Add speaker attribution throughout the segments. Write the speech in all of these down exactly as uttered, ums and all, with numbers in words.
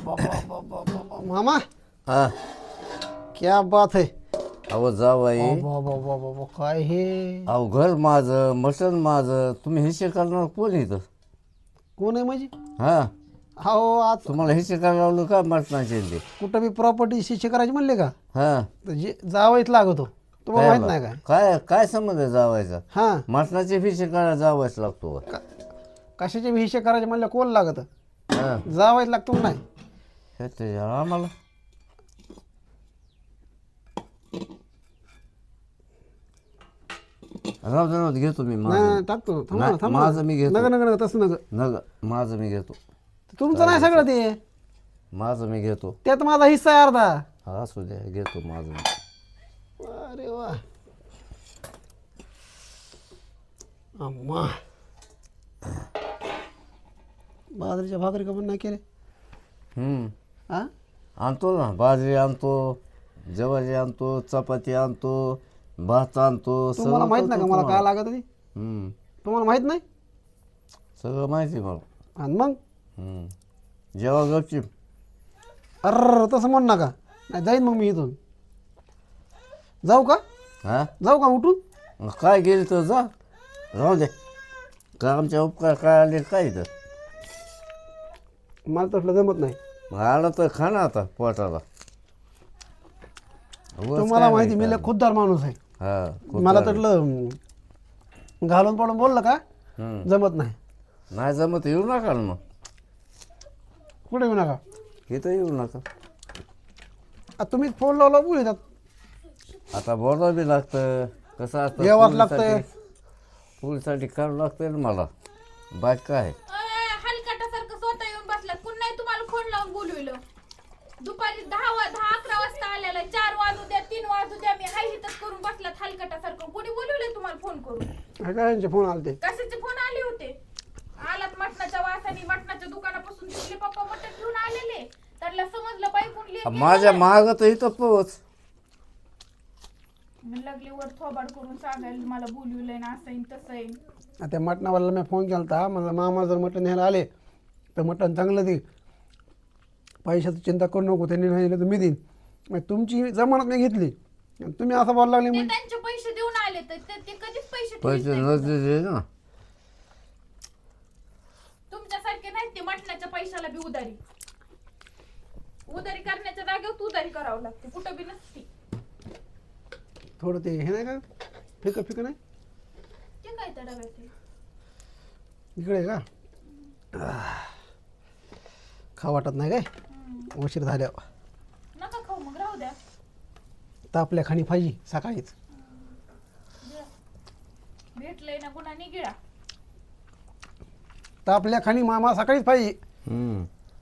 Speaker 1: बाबा बाबा मामा
Speaker 2: हा
Speaker 1: क्या बात है.
Speaker 2: अहो जावाई
Speaker 1: बाबा बाबा बाबा काय हे.
Speaker 2: अहो घर माझं मटण माझं तुम्ही हिशे करणार कोण इथं
Speaker 1: कोण आहे माझी.
Speaker 2: हा
Speaker 1: हो आज
Speaker 2: तुम्हाला हिशे करायला लावलं का मटणाचे ते
Speaker 1: कुठं बी प्रॉपर्टी शिक्षे करायची म्हणले का
Speaker 2: हा
Speaker 1: तर जे जावंच लागतो तुम्हाला माहित नाही काय.
Speaker 2: काय काय संबंध आहे जावायचा
Speaker 1: हां
Speaker 2: मटणाचे हिशे करायला जावायच लागतो
Speaker 1: कशाचे बी हिशे करायचे म्हणलं कोण लागत
Speaker 2: हा
Speaker 1: जावायच लागतो नाही.
Speaker 2: हे ते आम्हाला राहू दे राहू दे घेतो मी
Speaker 1: नाही
Speaker 2: माझं
Speaker 1: नाही, टाकतो थांबा ना,
Speaker 2: नाही,
Speaker 1: थांबा ना.
Speaker 2: माझं मी घेतो.
Speaker 1: नका नका नका तसं नका.
Speaker 2: नग माझं मी घेतो
Speaker 1: तुमचं नाही सगळं ते
Speaker 2: माझं मी घेतो
Speaker 1: त्यात माझा हिस्सा आहे अर्धा.
Speaker 2: हा असू द्या घेतो माझं मी.
Speaker 1: अरे वा अम्मा बाजरीच्या भाकरी का पण नाही केले.
Speaker 2: हम्म
Speaker 1: हा
Speaker 2: आणतो ना बाजरी आणतो ज्वारी आणतो चपाती आणतो भात आणतो
Speaker 1: तुम्हाला
Speaker 2: सगळं
Speaker 1: माहित नाही का
Speaker 2: करतो
Speaker 1: मला काय
Speaker 2: तुम्हाला.
Speaker 1: लागत ते
Speaker 2: हम्म
Speaker 1: तुम्हाला माहित नाही.
Speaker 2: सगळं माहिती आहे मला
Speaker 1: आणि मग
Speaker 2: हम्म जेव्हा गपची
Speaker 1: अर तसं म्हण नका नाही जाईन मग मी इथून. जाऊ का
Speaker 2: हा
Speaker 1: जाऊ का उठून.
Speaker 2: मग काय गेली तर जा राहू दे का आमच्या उपकार काय आले काय तर
Speaker 1: मला तसलं जमत नाही.
Speaker 2: मग आलं तर खा ना आता पोटाला उगाच
Speaker 1: तुम्हाला
Speaker 2: काय
Speaker 1: माहिती
Speaker 2: नाही
Speaker 1: मी लय खुद्दार माणूस आहे.
Speaker 2: हा खूप
Speaker 1: मला
Speaker 2: चालेल.
Speaker 1: तसलं अं, घालून पडून बोललं का
Speaker 2: हम्म.
Speaker 1: जमत नाही.
Speaker 2: नाही जमत येऊ नका ना मग
Speaker 1: कुठे येऊ नका.
Speaker 2: इथं येऊ नका
Speaker 1: आ, तुम्हीच फोन लावला बोलतात
Speaker 2: आता बोलावं बी लागतं कसं असतं
Speaker 1: यावंच लागतंय.
Speaker 2: पोलीसाठी- पोलीसाठी करावं लागतंय ना मला बाकी काय
Speaker 3: हलकाटासारखं स्वतः येऊन बसलात कोण नाही तुम्हाला फोन लावून बोलविलं. दुपारी दहा वा दहा अकरा वाजता आलेला चार वाजू द्या तीन वाजू द्या मी हाय हितच करून बसलात हलकाटासारखं कोणी बोलवलंय तुम्हाला फोन करून.
Speaker 1: काय फोन आलते.
Speaker 3: कशाचे फोन आले होते. आलात मटणाच्या वासाने मटणाच्या दुकानापासून दिसले पप्पा मटण घेऊन आलेले त्यांना समजलं बाई कोण लेक
Speaker 2: माझ्या माग तर इथं पोच
Speaker 3: लागले वर थोबाड करून सांगायला मला बोलविलंय ना असं तसं आहे.
Speaker 1: त्या मटणावाल्याला मी फोन केला होता मला मामा जर मटण न्यायला आले तर मटण चांगलं दे पैशाची चिंता करू नको त्यांनी नाही दिलं तर मी देईन. मग तुमची जमानत नाही घेतली आणि तुम्ही असं बोलायला लागले
Speaker 3: ते
Speaker 1: म्हणजे
Speaker 3: त्यांचे पैसे देऊन आले तर ते ते कधीच पैसे ठेवीत
Speaker 2: पैसे
Speaker 3: नाहीत.
Speaker 2: नसले ना
Speaker 3: तुमच्यासारखे नाहीत ते मटणाच्या पैशाला बी उधारी उधारी करण्याच्या जागेवर तू उधारी करावं लागते कुठं बी नसती.
Speaker 1: थोडं ते हे नाही का फिकं फिकं नाही
Speaker 3: ते काय त्या डब्यात आहे?
Speaker 1: इकडे आहे का आह. खा वाटत नाही काय उशीर झाल्यावर
Speaker 3: नका खाऊ मग राहू द्या.
Speaker 1: तापल्या खाणी पाहिजे सकाळीच.
Speaker 3: भेटलंय ना गुन्हा गिळा.
Speaker 1: तापल्या खाणी मामा सकाळीच पाहिजे.
Speaker 2: हम्म.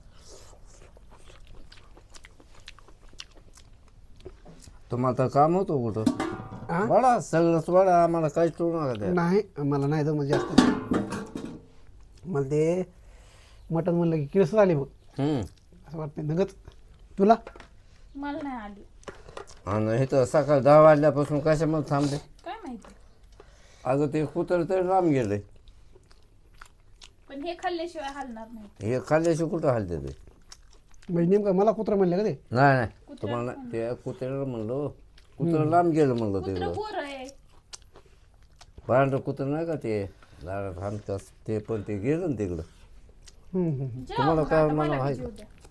Speaker 2: तुम्हाला तर काम होतो कुठं
Speaker 1: हा?
Speaker 2: वाडा सगळंच वाडा आम्हाला काहीच टोळू नका द्या
Speaker 1: नाही मला नाही जमत जास्त मला ते मटण म्हणलं की किळस आली बघ
Speaker 2: हम्म.
Speaker 1: असं वाटतं नगत तुला.
Speaker 3: मला नाही आली
Speaker 2: आणि इथं सकाळ दहा वाजल्यापासून कशामध्ये थांबले
Speaker 3: काय माहिती.
Speaker 2: अगं ते कुत्र तरी लांब गेले
Speaker 3: पण हे खाल्ल्याशिवाय हलणार नाही.
Speaker 2: हे खाल्ल्याशी कुठं हलते ते
Speaker 1: म्हणजे नेमकं मला कुत्रा म्हणलं का ते.
Speaker 2: नाही नाही तुम्हाला नाही. ते कुत्र्याला म्हणलं कुत्रं लांब गेलं म्हणलं
Speaker 3: कुत्र
Speaker 2: ते
Speaker 3: बोर आहे.
Speaker 2: पांढरं कुत्रं नाही का ते लाडात हाणतात ते पण ते गेलं ना तिकडं
Speaker 1: हम्म, हम्म.
Speaker 3: जेवा
Speaker 2: तुम्हाला
Speaker 3: मग
Speaker 2: काय
Speaker 3: आता
Speaker 2: मला
Speaker 3: मला बी
Speaker 2: माहिती
Speaker 3: जेवू द्या.